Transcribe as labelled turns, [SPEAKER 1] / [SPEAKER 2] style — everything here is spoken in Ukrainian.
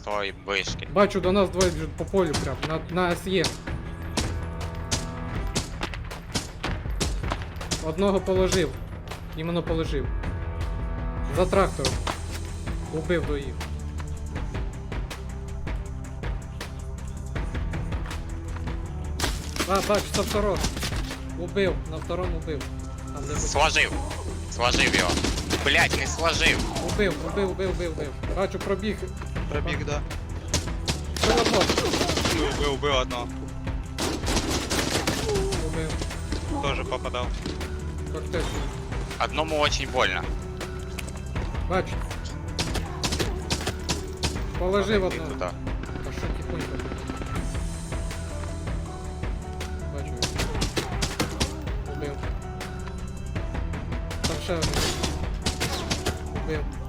[SPEAKER 1] той вишки.
[SPEAKER 2] Бачу, до нас двоє біжуть по полю прям, на СЄ. Одного положив. Іменно положив. За трактором. Убив доїв. Бачу, со второго. Убив, на второму убив. Там де
[SPEAKER 1] Сложив. Сложив його. Блять, не сложив.
[SPEAKER 2] убив. Бачу, пробіг.
[SPEAKER 3] Пробіг, да.
[SPEAKER 2] Прилапав.
[SPEAKER 3] Убив одного.
[SPEAKER 2] Убив.
[SPEAKER 3] Тоже попадав.
[SPEAKER 2] Коктейль.
[SPEAKER 1] Одному очень больно.
[SPEAKER 2] Бачу. Положив
[SPEAKER 1] Иди
[SPEAKER 2] одного.
[SPEAKER 1] туда.
[SPEAKER 2] А що тихонько? Бачу. Убив. Там ще один. Убив.